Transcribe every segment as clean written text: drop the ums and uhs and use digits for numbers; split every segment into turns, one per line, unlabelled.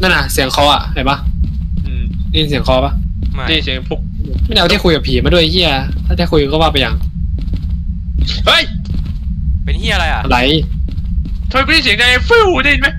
นั่นน่ะเสียงคออ่ะเห็นปะได้ยินเสียงคอปะ
นี่เสียงปุ๊ก
ไม่ได้เอาที่คุยกับผีมาด้วยเฮียถ้าจะคุยก็ว่าไปอย่าง
เฮ้ย
เป็นเฮียอะไรอ่ะ
อะไร
ทำไมไม่ได้เสียงไงฟิวได้ยินไหม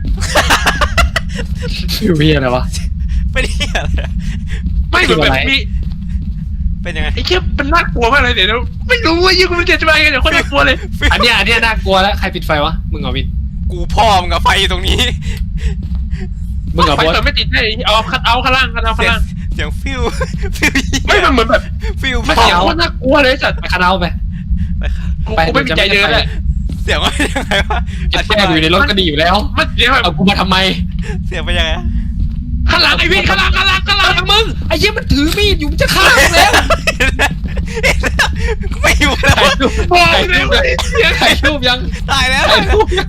ฟิวเฮียอะไรวะ
เป็นเฮียอะไรอะ
ไม่เหมือนแบบมี
เป็นยังไง
ไอ้เชี่ยมันน่ากลัวมากเลยเดี๋ยวไม่รู้ว่ายิ่งมันจะมาไงเดี๋ยวคนน่ากลัวเลย
อันเนี้ยน่ากลัวแล้วใครปิดไฟวะมึงเหรอวิน
กูพ่อมึงกับไฟอยู่ตรงนี้
มึงเหรอ
ไฟ
บอส
เปิดไม่ติดเลยเอาข้างล่างข้างล่าง
เสียงฟิวฟิว
ไม่มันเหมือนแบบ
ฟิว
มันเสียงโคตรน่ากลัวเลยสัตว์
ไปคาราโอเกะ
กูไม่มีใจเดินเลย
เสียงว่ายังไงวะ
ปิดไฟอยู่ในรถก็ดีอยู่แล้ว
มันเสียงแบบ
เอากูมาทำไม
เสียงเป็นยังไง
ข้างหลังไอ้พี่ข้างหลัง
มึงไอ้เหี้ยมันถือมีดอยู่มันจะฆ่ามึงแล้ว
ไม่อยู่แล้ว
บอกเลยว่าเสียง
ถ่ายรูปยัง
ตายแล้ว
ถ่ายรูปยัง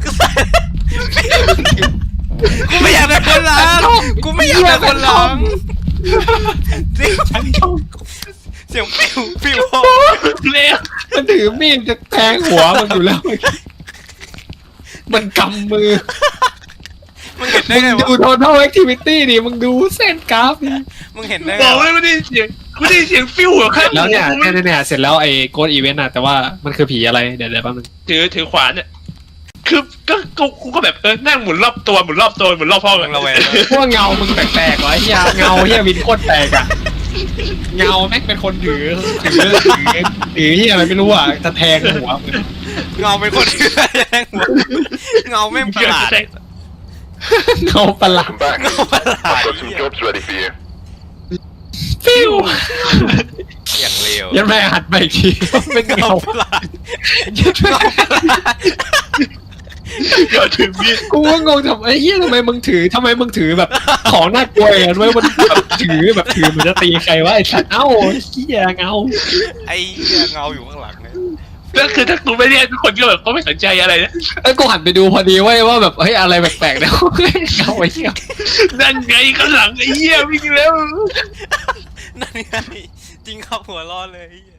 กูไม่อยากเป็นคนหลังกูไม่อยากเป็นคนหลังเสียงฟิวฟิว
เลย
มันถือมีดจะแทงหัวมันอยู่แล้วมันกำมือ
มึงเห็นได้
มึง
ไง
ดู
วะ
total activity ดิมึงดูเส้นกราฟดิ
มึงเห็นได้
บ
ไง
อกเลย
วะ
ไม่ได้เสียงไม่ได้เสียงฟิวเหรอข้าง
แล้วเนี่ยเสร็จแล้วไอ้โกดอีเวนต์อะแต่ว่ามันคือผีอะไรเดี๋ยวแป๊บนึง
ถือขวานเนี่ยคือกูก็แบบนั่งหมุนรอบตัวหมุนรอบห้อง
มึงระแวง
พวกเงามึงแปลกๆวะไอ้เหี้ยเงาเหี้ยวินโคตรแปลกอะเงาแม่งเป็นคนถือเหี้ยอะไรไม่รู้อะจะแทงหัวมึง
เงาเป็นคนเชื่อแย่งหัวเงาไม่ประหลาด
เงาประหลาด
Come back.
เงาประหลาด
I've got some jobs ready for you.
ฟิว
อย่างเลว
ยันแม่หัดไปอีกทีเป็นเงา
ประหลาด
ยันแม่
ก็ถือมีด
กูก็งงทำไอ้เหี้ยทำไมมึงถือแบบของน่ากลัวอย่างนั้นไว้มันแบบถือเหมือนจะตีใครวะไอ้สัตว์เอ้าเหี้ยเงา
ไอ้เหี้ยเงาอยู่ข้างหลังเนี่ย
ก็คือถ้ากูไม่เรียกทุกคนก็แบบก็ไม่สนใจอะไรนะ
ไอ้กูหันไปดูพอดีเว้ยว่าแบบเฮ้ยอะไรแปลกๆเนี่ยเงาไอ้เหี้ย
นั่นไงข้างหลังไอ้เหี้ยวิ่งแล้ว
นั่นไงจริงครับหัวร้อนเลยไอ้เหี้ย